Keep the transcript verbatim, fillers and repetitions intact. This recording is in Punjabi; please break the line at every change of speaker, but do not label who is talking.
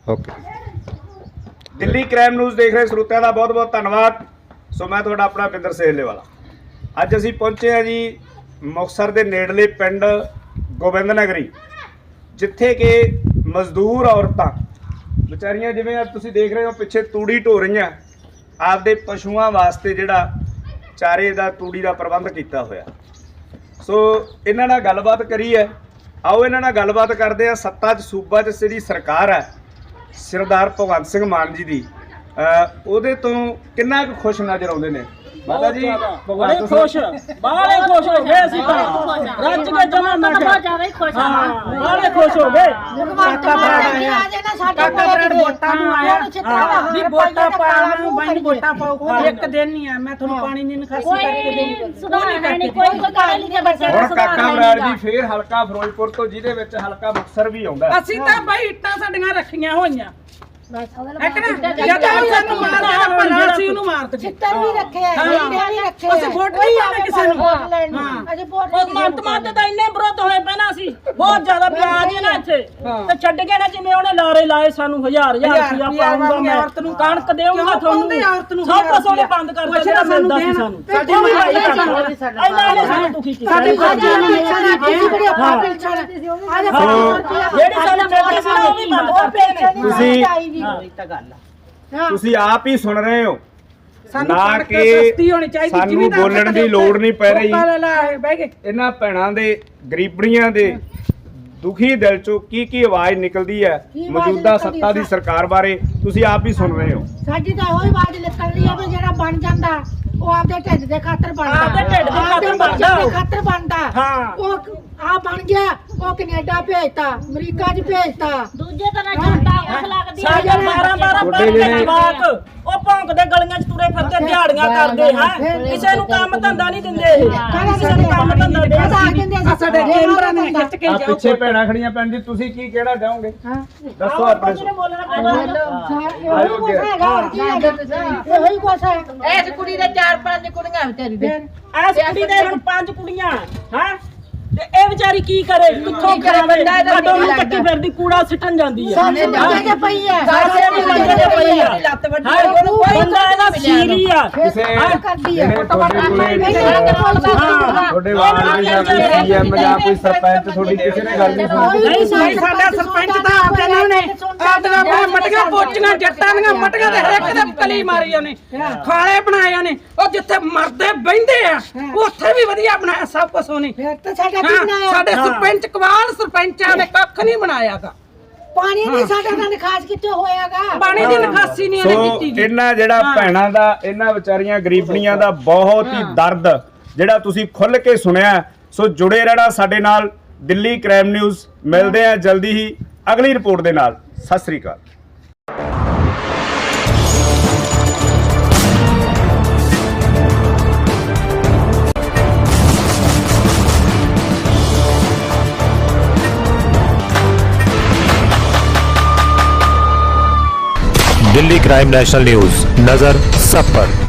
ओके
दिल्ली क्राइम न्यूज़ देख रहे ਸਰੋਤਿਆਂ ਦਾ बहुत बहुत धन्यवाद। सो मैं ਤੁਹਾਡਾ ਆਪਣਾ ਪਿੰਦਰ ਸੇਲੇ ਵਾਲਾ। ਅੱਜ ਅਸੀਂ ਪਹੁੰਚੇ ਹਾਂ ਜੀ ਮੁਕਤਸਰ ਦੇ ਨੇੜਲੇ ਪਿੰਡ ਗੋਬਿੰਦ ਨਗਰੀ, ਜਿੱਥੇ ਕਿ ਮਜ਼ਦੂਰ ਔਰਤਾਂ ਵਿਚਾਰੀਆਂ ਜਿਵੇਂ ਅੱਜ ਤੁਸੀਂ ਦੇਖ ਰਹੇ ਹੋ ਪਿੱਛੇ ਤੂੜੀ ਢੋ ਰਹੀਆਂ, ਆਪਦੇ ਪਸ਼ੂਆਂ ਵਾਸਤੇ ਜਿਹੜਾ ਚਾਰੇ ਦਾ ਤੂੜੀ ਦਾ ਪ੍ਰਬੰਧ ਕੀਤਾ ਹੋਇਆ। ਸੋ ਇਹਨਾਂ ਨਾਲ ਗੱਲਬਾਤ ਕਰੀ ਹੈ, ਆਓ ਇਹਨਾਂ ਨਾਲ ਗੱਲਬਾਤ ਕਰਦੇ ਆ। ਸੱਤਾ 'ਚ ਸੂਬਾ 'ਚ ਜਿਹੜੀ ਸਰਕਾਰ ਹੈ ਸਰਦਾਰ ਭਗਵੰਤ ਸਿੰਘ ਮਾਨ ਜੀ ਦੀ, ਉਹਦੇ ਤੋਂ ਕਿੰਨਾ ਕੁ ਖੁਸ਼ ਨਜ਼ਰ ਆਉਂਦੇ ਨੇ ਮਾਤਾ ਜੀ?
ਬੜੇ ਖੁਸ਼, ਬਾਹਲੇ ਖੁਸ਼ ਹੋ ਗਏ ਅਸੀਂ ਤਾਂ ਰੱਜ ਕੇ ਜਮਾ ਮੈਂ
ਬਹੁਤ ਜ਼ਿਆਦਾ ਹੀ ਖੁਸ਼ ਹਾਂ।
ਬਾਹਲੇ ਖੁਸ਼ ਹੋ ਗਏ।
ਕਾਕਾ ਬਰਡ ਵੋਟਾਂ ਨੂੰ ਆਇਆ
ਵੀ ਵੋਟਾਂ ਪਾਉਣ ਨੂੰ ਬੰਦ ਵੋਟਾਂ ਪਾਓ। ਇੱਕ ਦਿਨ ਨਹੀਂ ਆ ਮੈਂ ਤੁਹਾਨੂੰ ਪਾਣੀ ਨਹੀਂ ਨਿਕਾਸੀ ਕਰਕੇ ਦੇਣੀ।
ਸੁਧਾਰ ਨਹੀਂ ਕੋਈ ਕੋਈ ਕਾਲੇ ਲਿਖੇ ਬੱਚੇ ਦਾ
ਹੁਣ ਕਾਕਾ ਬਰਾੜ ਜੀ ਫੇਰ ਹਲਕਾ ਫਿਰੋਜ਼ਪੁਰ ਤੋਂ, ਜਿਹਦੇ ਵਿੱਚ ਹਲਕਾ ਮੁਕਤਸਰ ਵੀ ਆਉਂਦਾ।
ਅਸੀਂ ਤਾਂ ਬਈ ਇੱਟਾਂ ਸਾਡੀਆਂ ਰੱਖੀਆਂ ਹੋਈਆਂ ਇੱਕ ਨਾ
ਜਦ
ਜਦੋਂ ਸਾਨੂੰ ਮਾਰਿਆ ਭਲਾ ਅਸੀਂ ਉਹਨੂੰ ਮਾਰ ਦਿੱਤੇ।
ਚਿੱਤਰ ਵੀ ਰੱਖੇ ਆ, ਜਿੰਦੇ ਵੀ ਰੱਖੇ ਆ।
ਅਸੀਂ ਵੋਟ ਨਹੀਂ ਪਾਉਂਦੇ ਕਿਸੇ ਨੂੰ।
ਹਾਂ ਅਜੇ ਵੋਟ
ਉਹ ਮੰਤ ਮੰਤ ਤਾਂ ਇੰਨੇ ਵਿਰੋਧ ਹੋਏ ਪਏ ਨਾ, ਅਸੀਂ ਬਹੁਤ ਜ਼ਿਆਦਾ ਪਿਆਜ ਹੈ ਨਾ ਇੱਥੇ ਤੇ ਛੱਡ ਕੇ ਨਾ ਜਿਵੇਂ ਉਹਨੇ ਲਾਰੇ ਲਾਏ ਸਾਨੂੰ ਹਜ਼ਾਰ ਹਜ਼ਾਰ ਰੁਪਇਆ ਪਾਉਂਗਾ ਮੈਂ ਕਣਕ ਦੇਵਾਂਗਾ ਤੁਹਾਨੂੰ, ਸਭ ਕੁਝ ਉਹਨੇ ਬੰਦ ਕਰ ਦਿੱਤਾ ਜਿਹੜਾ ਮਿਲਦਾ ਸੀ ਸਾਨੂੰ। ਇਹਨਾਂ ਨੇ ਸਾਨੂੰ ਦੁਖੀ ਕੀਤਾ।
ਸਾਡੇ ਫੌਜੀਆਂ ਨੂੰ ਮਿਲਣਾ ਤੁਸੀਂ ਬੜੀ ਆਪਾਂ ਪਿਲਛਣ ਅੱਜ
ਜਿਹੜੀ ਸਾਨੂੰ ਮਿਲਦੀ ਸੀ ਨਾ ਉਹ ਵੀ ਬੰਦ ਕਰਤੇ ਨੇ।
ਤੁਸੀਂ
ਹਾਂ
ਤੁਸੀਂ ਆਪ ਹੀ ਸੁਣ ਰਹੇ ਹੋ
ਸਾਨੂੰ
ਨਾ
ਕਣਕ
ਕਿ
ਸਸਤੀ ਹੋਣੀ ਚਾਹੀਦੀ,
ਸਾਨੂੰ
ਜ਼ਿਮੀਂਦਾਰ
ਬੋਲਣ ਦੀ ਲੋੜ ਨਹੀਂ ਪੈ ਰਹੀ।
ਬਹਿ ਗਏ
ਇਹਨਾਂ ਭੈਣਾਂ ਦੇ ਗਰੀਬੜੀਆਂ ਦੇ ਦੁਖੀ ਦਿਲ ਚੋਂ ਕੀ ਕੀ ਆਵਾਜ਼ ਨਿਕਲਦੀ ਹੈ ਮੌਜੂਦਾ ਸੱਤਾ ਦੀ ਸਰਕਾਰ ਬਾਰੇ, ਤੁਸੀਂ ਆਪ ਹੀ ਸੁਣ ਰਹੇ ਹੋ।
ਸਾਡੀ ਤਾਂ ਉਹੀ ਆਵਾਜ਼ ਨਿਕਲ ਰਹੀ ਹੈ ਵੀ ਜਿਹੜਾ ਬਣ ਜਾਂਦਾ ਉਹ ਆਪਦੇ ਢਿੱਡ ਦੇ ਖਾਤਰ ਬਣਦਾ,
ਆਪਦੇ ਢਿੱਡ ਦੇ ਖਾਤਰ
ਬੱਚਿਆਂ ਦੇ
ਬਣਦਾ।
ਖਾਤਰ ਬਣਦਾ।
ਹਾਂ।
ਉਹ ਆ ਬਣ ਗਿਆ, ਉਹ ਕੈਨੇਡਾ ਭੇਜਤਾ, ਅਮਰੀਕਾ 'ਚ ਭੇਜਤਾ।
ਦੂਜੇ ਤਰ੍ਹਾਂ ਜਨਤਾ ਉਸ ਲੱਗਦੀ ਹੈ।
ਸਾਡੇ ਬਾਰਾਂ ਬਾਰਾਂ
ਤੁਹਾਡੇ
ਪੰਜ
ਜਿਹੜੇ-
ਜਵਾਕ ਉਹ ਭੌਂਕਦੇ ਗਲੀਆਂ 'ਚ ਤੁਰੇ ਫਿਰਦੇ ਦਿਹਾੜੀਆਂ ਕਰਦੇ ਹੈ, ਕਿਸੇ ਨੂੰ ਕੰਮ ਧੰਦਾ ਨਹੀਂ ਦਿੰਦੇ ਇਹ। ਕਿਸੇ ਨੂੰ ਕੰਮ ਧੰਦਾ ਦੇ
ਆ ਕਹਿੰਦੇ ਅਸੀਂ ਸਾਡੇ ਮੈਂਬਰਾਂ ਨੇ ਖਿੱਚ ਕੇ
ਆ ਪਿੱਛੇ ਭੈਣਾਂ ਖੜੀਆਂ ਪੈਣ ਜੀ, ਤੁਸੀਂ ਕੀ ਕਹਿਣਾ ਚਾਹੋਗੇ? ਦੱਸੋ ਆਪਣੇ
ਜਿਹਨੇ ਬੋਲਣਾ ਪੈਂਦਾ।
ਇਹੋ ਕੁਛ ਹੈਗਾ, ਹੋਰ ਕੀ ਹੈਗਾ? ਇਹੋ ਹੀ ਕੁਛ ਹੈ।
ਇਸ ਕੁੜੀ ਦੇ ਚਾਰ ਪੰਜ ਕੁੜੀਆਂ ਵਿਚਾਰੀ ਦੇ।
ਐਸ ਕੁੜੀ ਦੇ ਹੁਣ ਪੰਜ ਕੁੜੀਆਂ ਹੈ ਤੇ ਇਹ ਵਿਚਾਰੀ ਕੀ ਕਰੇ, ਕਿੱਥੋਂ
ਕੀ ਕਰੇ?
ਖਾਵੇ?
ਬੰਦਾ ਇਹਦਾ
ਕਦੋਂ ਨੂੰ
ਨਹੀਂ
ਤੱਕੀ ਫਿਰਦੀ ਕੂੜਾ ਸਿੱਟਣ ਜਾਂਦੀ ਹੈ।
ਸਾਨੂੰ ਮੰਜੇ ਤੇ ਪਈ ਹੈ,
ਸਾਰੇ ਦੀ ਮੰਜੇ ਤੇ ਪਈ ਆ।
ਲੱਤ ਵੱਡੀ
ਹਾਂ, ਉਹਨੂੰ ਕੋਈ ਬੰਦਾ ਇਹਦਾ ਸੀਰੀ ਆ।
ਕਿਸੇ
ਕਰਦੀ ਹੈ।
ਜਿਹੜੇ ਤੁਹਾਡੇ ਕੋਲੇ ਤੁਹਾਡੇ ਵਾਰਡ ਦੇ ਜਾਂ ਕੋਈ ਸੀਐਮ ਜਾਂ ਕੋਈ ਸਰਪੰਚ ਤੁਹਾਡੀ ਕਿਸੇ ਨੇ ਗੱਲ ਨਹੀਂ ਸੁਣੀ?
ਨਹੀਂ ਸਾਈ ਸਾਡਾ ਸਰਪੰਚ ਤਾਂ ਆਪਦੇ ਨਾਲ ਨੇ ਆਪਦੀਆਂ ਮਟੀਆਂ ਪੋਚੀਆਂ ਜੱਟਾਂ ਦੀਆਂ ਮਟੀਆਂ ਦੇ ਹਰੇਕ ਦੇ ਕਲੀ ਮਾਰੀ ਉਹਨੇ, ਖਾਲੇ ਬਣਾਏ ਉਹਨੇ। ਉਹ ਜਿੱਥੇ ਮਰਦੇ ਬਹਿੰਦੇ ਆ ਉੱਥੇ ਵੀ ਵਧੀਆ ਬਣਾਇਆ ਸਭ ਕੁਝ ਉਹਨੇ।
ਫਿਰ ਤਾਂ ਸਾਡਾ
ਹਾਂ,
ਕਿੰਨਾ ਹੈ?
ਸਾਡੇ ਸਰਪੰਚ ਕਵਾਲ ਸਰਪੰਚਾਂ ਨੇ ਕੱਖ ਨਹੀਂ ਬਣਾਇਆਗਾ।
ਪਾਣੀ ਨਹੀਂ ਸਾਡਾ ਨਾਲ ਖਾਸ ਕਿਤੇ ਹੋਇਆਗਾ।
ਪਾਣੀ ਦੀ ਨਿਕਾਸੀ ਨਹੀਂ ਉਹਨੇ
ਸੋ
ਕੀਤੀ ਜੀ।
ਇਹਨਾਂ ਜਿਹੜਾ ਭੈਣਾਂ ਦਾ, ਇਹਨਾਂ ਵਿਚਾਰੀਆਂ ਗਰੀਬਣੀਆਂ ਦਾ ਬਹੁਤ ਹੀ ਦਰਦ ਜਿਹੜਾ ਤੁਸੀਂ ਖੁੱਲ ਕੇ ਸੁਣਿਆ। ਸੋ ਜੁੜੇ ਰਹਿਣਾ ਸਾਡੇ ਨਾਲ। ਦਿੱਲੀ ਕ੍ਰਾਈਮ ਨਿਊਜ਼, ਮਿਲਦੇ ਆ ਜਲਦੀ ਹੀ ਅਗਲੀ ਰਿਪੋਰਟ ਦੇ ਨਾਲ। ਸਤਿ ਸ੍ਰੀ ਅਕਾਲ।
दिल्ली क्राइम नेशनल न्यूज, नजर सब पर।